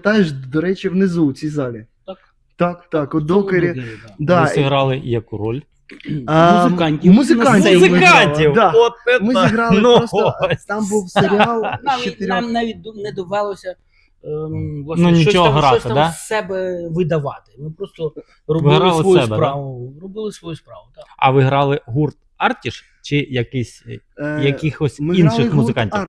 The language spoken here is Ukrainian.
пам'ятаєш, до речі, внизу у цій залі. Так, у докері. Да. Ви зіграли яку роль? Музикантів. Музикантів. Музикантів! Да. От це Ми так. зіграли Ну, просто, там був серіал з 4. Нам навіть не довелося Ну, нічого грати, щось там да? з себе видавати. Ми просто грали робили свою себе, справу. Робили свою справу, так. А ви грали гурт Артіш чи якихось Ми грали інших гурт музикантів?